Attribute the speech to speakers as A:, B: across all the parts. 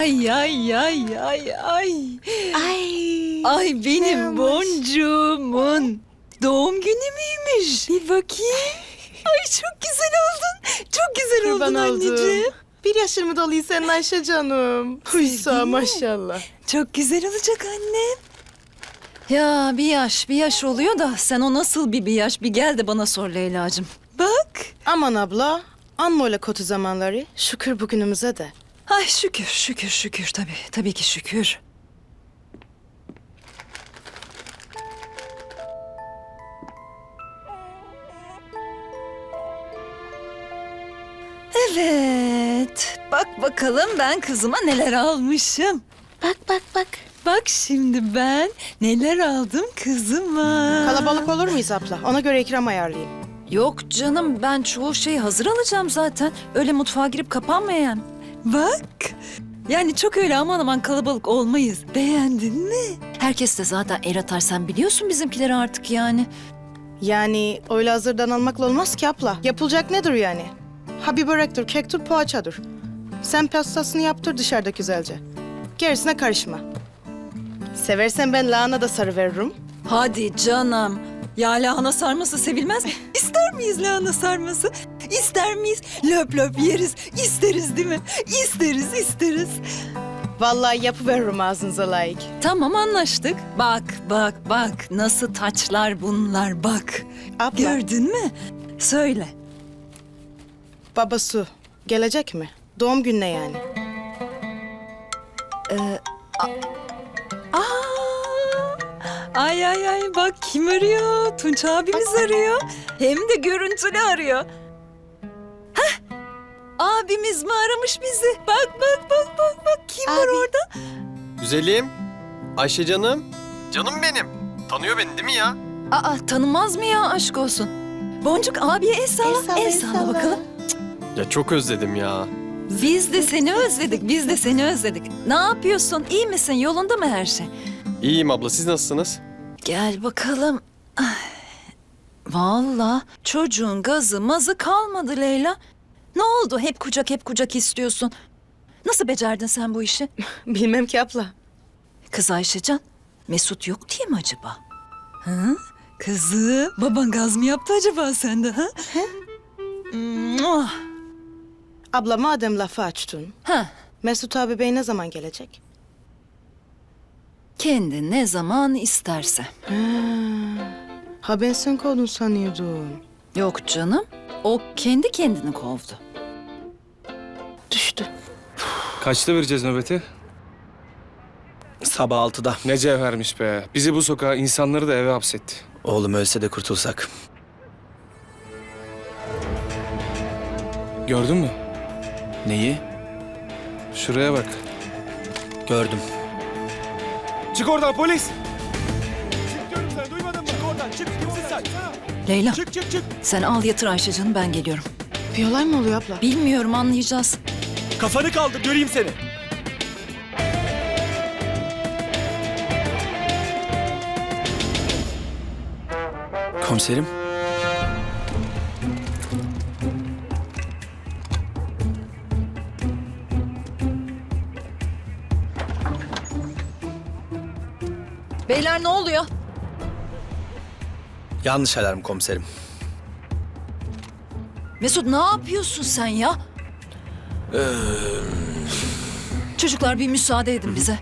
A: Ay ay ay ay ay. Ay benim boncuğumun doğum günü müymüş? Bir bakayım. Ay çok güzel oldun. Çok güzel
B: Kurban
A: oldun anneciğim.
B: oldum. 1 yaşın mı doluyor senin Ayşe canım? Hüsa maşallah.
A: Çok güzel olacak annem. Ya bir yaş oluyor da sen o nasıl bir yaş? Bir gel de bana sor Leyla'cığım. Bak.
B: Aman abla, anma öyle kötü zamanları. Şükür bugünümüze de.
A: Ay şükür tabii ki şükür. Evet, bak bakalım ben kızıma neler almışım.
B: Bak.
A: Bak şimdi ben neler aldım kızıma.
B: Kalabalık olur muyuz abla? Ona göre ikram ayarlayayım.
A: Yok canım, ben çoğu şeyi hazır alacağım zaten. Öyle mutfağa girip kapanmayan. Bak, yani çok öyle aman aman kalabalık olmayız. Beğendin mi? Herkes de zaten el atar, sen biliyorsun bizimkileri artık yani.
B: Yani öyle hazırdan almakla olmaz ki abla. Yapılacak nedir yani? Ha bir börektir, kektir, poğaçadır. Sen pastasını yaptır dışarıda güzelce. Gerisine karışma. Seversen ben lahana da sarı veririm.
A: Hadi canım. Ya lahana sarması sevilmez mi? İster miyiz lahana sarması? İster miyiz? Löp löp yeriz. İsteriz değil mi? İsteriz.
B: Vallahi yapıveririm ağzınıza layık.
A: Tamam anlaştık. Bak. Nasıl taçlar bunlar bak.
B: Abla,
A: Gördün mü? Söyle.
B: babası gelecek mi? Doğum gününe yani.
A: Ay bak kim arıyor? Tunç abimiz arıyor. Hem de görüntülü arıyor. Hah! Abimiz mi aramış bizi? Bak. Kim var
B: Abi.
A: orada?
C: Güzelim. Ayşe canım. Canım benim. Tanıyor beni değil mi ya?
A: Aa tanımaz mı ya, aşk olsun. Boncuk abiye el salla. El salla bakalım.
C: Ya çok özledim ya.
A: Biz de seni özledik. Ne yapıyorsun? İyi misin? Yolunda mı her şey?
C: İyiyim abla, siz nasılsınız?
A: Gel bakalım. Ay, vallahi çocuğun gazı mazı kalmadı Leyla. Ne oldu? Hep kucak istiyorsun. Nasıl becerdin sen bu işi?
B: Bilmem ki abla.
A: Kız Ayşecan, Mesut yok diye mi acaba? Hı? Kızım, baban gaz mı yaptı acaba sende ha? Muah!
B: Abla madem lafı açtın,
A: Ha,
B: Mesut abi bey ne zaman gelecek?
A: kendi ne zaman isterse.
B: Ha ben sen kovdun sanıyordum.
A: Yok canım, o kendi kendini kovdu.
B: Düştü.
D: Kaçta vereceğiz nöbeti?
E: Sabah 6'da.
D: Ne cevhermiş be. Bizi bu sokağa, insanları da eve hapsetti.
E: Oğlum ölse de kurtulsak.
D: Gördün mü?
E: Neyi?
D: Şuraya bak.
E: Gördüm.
D: Çık oradan polis!
A: Leyla, sen al yatır Ayşecan'ı, ben geliyorum.
B: Bir olay mı oluyor abla?
A: Bilmiyorum, anlayacağız.
E: Kafanı kaldır göreyim seni. Komiserim.
A: Beyler ne oluyor?
E: Yanlış alarm komiserim.
A: Mesut ne yapıyorsun sen ya? Çocuklar bir müsaade edin bize.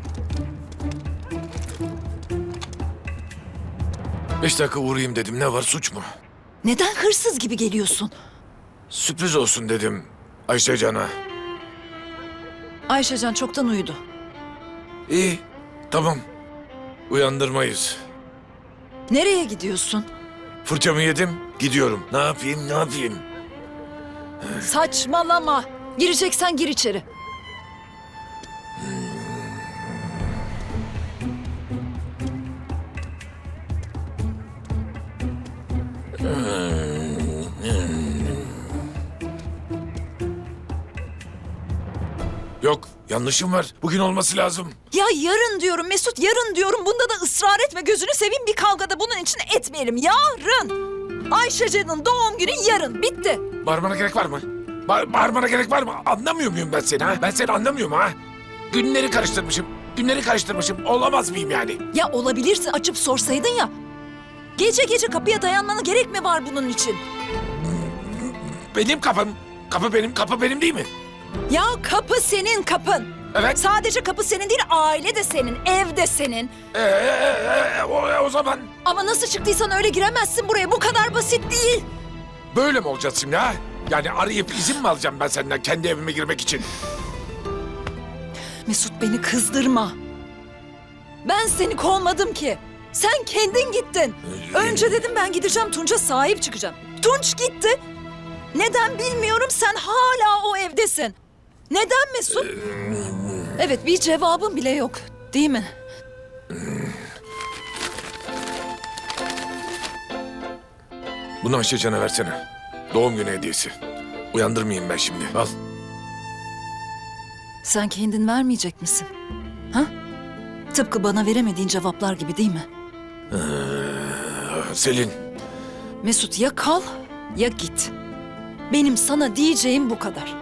F: 5 dakika uğrayayım dedim. Ne var, suç mu?
A: Neden hırsız gibi geliyorsun?
F: Sürpriz olsun dedim Ayşe Can'a.
A: Ayşecan çoktan uyudu.
F: İyi, tamam. Uyandırmayız.
A: Nereye gidiyorsun?
F: Fırçamı yedim, gidiyorum. Ne yapayım?
A: Saçmalama. Gireceksen gir içeri.
F: Yok, yanlışım var. Bugün olması lazım.
A: Ya yarın diyorum Mesut, yarın diyorum. Bunda da ısrar etme, gözünü seveyim, bir kavgada bunun için etmeyelim. Yarın. Ayşecan'ın doğum günü yarın. Bitti.
F: Bağırmana gerek var mı? Bağırmana gerek var mı? Anlamıyor muyum ben seni ha? Ben seni anlamıyorum ha? Günleri karıştırmışım. Günleri karıştırmışım. Olamaz mıyım yani?
A: Ya olabilirsin, açıp sorsaydın ya. Gece gece kapıya dayanmana gerek mi var bunun için?
F: Benim kapım. Kapı benim değil mi?
A: Ya kapı senin kapın.
F: Evet.
A: Sadece kapı senin değil, aile de senin, ev de senin.
F: O zaman
A: Ama nasıl çıktıysan öyle giremezsin buraya. Bu kadar basit değil.
F: böyle mi olacağız şimdi ha? Yani arayıp izin mi alacağım ben senden kendi evime girmek için?
A: Mesut, beni kızdırma. Ben seni kovmadım ki. Sen kendin gittin. Önce dedim ben gideceğim, Tunç'a sahip çıkacağım. Tunç gitti. Neden bilmiyorum, sen hala o evdesin. Neden Mesut? Evet, bir cevabın bile yok, değil mi?
F: Bunu Ayşecan'a versene. Doğum günü hediyesi. Uyandırmayayım ben şimdi. Al.
A: Sen kendin vermeyecek misin? Ha? Tıpkı bana veremediğin cevaplar gibi, değil mi?
F: Selin.
A: Mesut, ya kal ya git. Benim sana diyeceğim bu kadar.